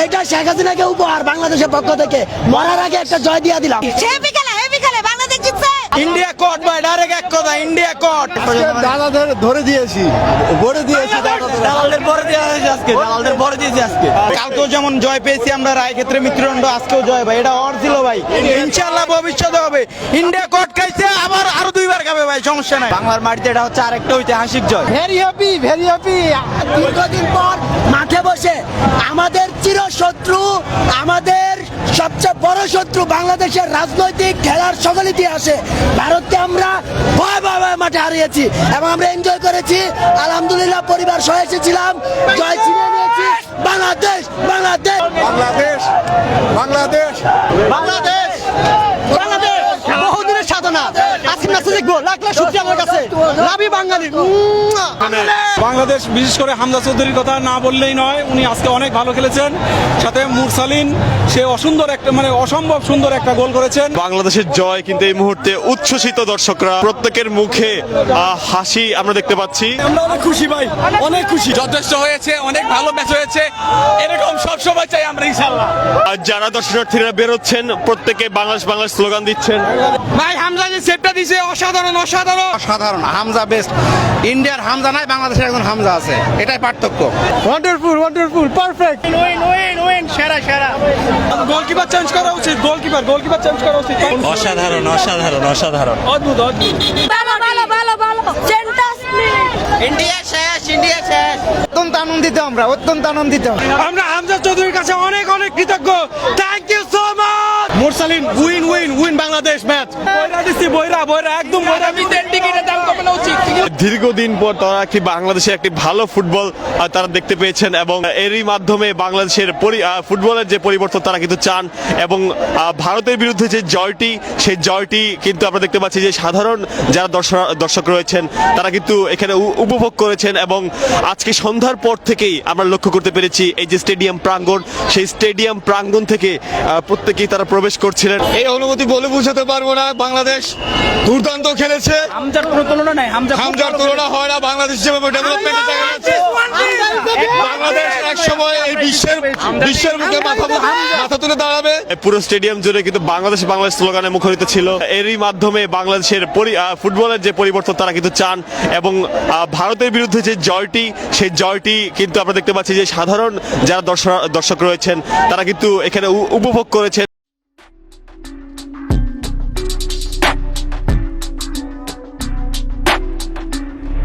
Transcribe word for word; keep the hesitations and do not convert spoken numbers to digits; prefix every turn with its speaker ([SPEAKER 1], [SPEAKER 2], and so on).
[SPEAKER 1] এইটা শেখ হাসিনাকে উপহার বাংলাদেশের পক্ষ থেকে, মরার আগে একটা জয় দিয়া দিলাম।
[SPEAKER 2] হেভি খেলা হেভি খেলা বাংলাদেশ জিতছে।
[SPEAKER 3] ইন্ডিয়া কোট ভাই, ডাইরেক্ট এক কথা, ইন্ডিয়া কোট।
[SPEAKER 4] দাদাদের ধরে দিয়েছি, ভরে দিয়েছি,
[SPEAKER 3] দালালদের পরে দেওয়া হয়েছে আজকে, দালালদের পরে দিয়েছি আজকে। কালকেও যেমন জয় পেয়েছি আমরা রায় ক্ষেত্রে মৃত্যুদণ্ড, আজকেও জয় ভাই, এটা অর ছিল ভাই। ইনশাআল্লাহ ভবিষ্যতে হবে। ইন্ডিয়া কোট খাইছে, আবার আরো দুইবার খাবে ভাই, সমস্যা নাই। বাংলার মাটিতে এটা হচ্ছে আরেকটা ঐতিহাসিক জয়।
[SPEAKER 4] Very happy, very happy.
[SPEAKER 1] দীর্ঘদিন পর মাঠে বসে আমাদের চিরশত্রু, আমাদের সবচেয়ে বড় শত্রু বাংলাদেশের রাজনৈতিক খেলার সকল ইতিহাসে ভারতকে আমরা ভয় ভয় ভয় মাঠে হারিয়েছি এবং আমরা এনজয় করেছি। আলহামদুলিল্লাহ পরিবার সহ এসেছিলাম, জয় ছিনিয়ে নিয়েছি। বাংলাদেশ বাংলাদেশ
[SPEAKER 4] বাংলাদেশ, বাংলাদেশ,
[SPEAKER 3] বাংলাদেশ বাংলাদেশ বহুদিনের সাধনা, আজকে ম্যাচে দেখবো, লাখ লাখ শুকরিয়া আমার কাছে। লাভি বাঙালি।
[SPEAKER 5] বাংলাদেশ বিশেষ করে হামজা চৌধুরীর কথা না বললেই নয়, উনি আজকে অনেক ভালো খেলেছেন। সাথে মুরসালিন, সে অসুন্দর একটা মানে অসম্ভব সুন্দর একটা গোল করেছেন।
[SPEAKER 6] বাংলাদেশের জয় কিন্তু এই মুহূর্তে উচ্ছ্বসিত দর্শকরা, প্রত্যেকের মুখে আহ, হাসি আমরা দেখতে পাচ্ছি।
[SPEAKER 5] আমরা অনেক খুশি ভাই, অনেক খুশি। যথেষ্ট হয়েছে, অনেক ভালো ম্যাচ হয়েছে, এরকম সব সময় চাই আমরা ইনশাআল্লাহ।
[SPEAKER 6] আর যারা দর্শনার্থীরা বেরোচ্ছেন প্রত্যেকে বাংলাদেশ বাংলাদেশ স্লোগান দিচ্ছেন।
[SPEAKER 5] ভাই হামজা যে সেটটা দিয়েছে অসাধারণ, অসাধারণ,
[SPEAKER 4] সাধারণ হামজা বেস্ট। ইন্ডিয়ার হামজা নাই, বাংলাদেশের একজন হামজা আছে, এটাই পার্থক্য।
[SPEAKER 5] Wonderful, wonderful, perfect. Win win win, সেরা সেরা। গোলকিপার চেঞ্জ করা উচিত, গোলকিপার গোলকিপার চেঞ্জ করা উচিত।
[SPEAKER 7] অসাধারণ অসাধারণ অসাধারণ
[SPEAKER 5] অদ্ভুত অদ্ভুত।
[SPEAKER 2] ভালো ভালো ভালো ভালো ফ্যান্টাস্টিক।
[SPEAKER 3] ইন্ডিয়া শেষ, ইন্ডিয়া শেষ।
[SPEAKER 4] অত্যন্ত আনন্দিত আমরা, অত্যন্ত আনন্দিত।
[SPEAKER 5] আমরা হামজা চৌধুরীর কাছে অনেক অনেক কৃতজ্ঞ। Thank you so much. Mursalin, win win win Bangladesh match. বইরা দিছি, বইরা বইরা একদম বইরা। টিকিটের দাম কমানো উচিত।
[SPEAKER 6] দীর্ঘদিন পর তারা একটি বাংলাদেশের একটি ভালো ফুটবল আহ, তারা দেখতে পেয়েছেন এবং এরই মাধ্যমে বাংলাদেশের পরি- আহ, ফুটবলের যে পরিবর্তন তারা কিন্তু চান এবং আহ, ভারতের বিরুদ্ধে যে জয়টি, সেই জয়টি কিন্তু আমরা দেখতে পাচ্ছি যে সাধারণ যারা দর্শক দর্শক রয়েছেন তারা কিন্তু এখানে উ- উপভোগ করেছেন এবং আজকে সন্ধ্যার পর থেকেই আমরা লক্ষ্য করতে পেরেছি এই যে স্টেডিয়াম প্রাঙ্গণ, সেই স্টেডিয়াম প্রাঙ্গণ থেকে আহ, প্রত্যেকেই তারা প্রবেশ করছিলেন।
[SPEAKER 4] এই অনুভূতি বলে বুঝাতে পারবো না। বাংলাদেশ দুর্দান্ত খেলেছে,
[SPEAKER 5] হামজার কোনো তুলনা নাই। হামজা
[SPEAKER 4] হামজার তুলনা হয় না। বাংলাদেশ যেভাবে ডেভেলপমেন্টের জায়গা আছে, বাংলাদেশ এক সময় এই বিশ্বের বিশ্বের মুখে মাথা মাথা তুলে দাঁড়াবে।
[SPEAKER 6] পুরো স্টেডিয়াম জুড়ে কিন্তু বাংলাদেশ বাংলাদেশ স্লোগানে মুখরিত ছিল। এরই মাধ্যমে বাংলাদেশের পরি- আহ, ফুটবলের যে পরিবর্তন তারা কিন্তু চান এবং আহ, ভারতের বিরুদ্ধে যে জয়টি, সেই জয়টি কিন্তু আমরা দেখতে পাচ্ছি যে সাধারণ যারা দর্শক দর্শক রয়েছেন তারা কিন্তু এখানে উ- উপভোগ করেছেন।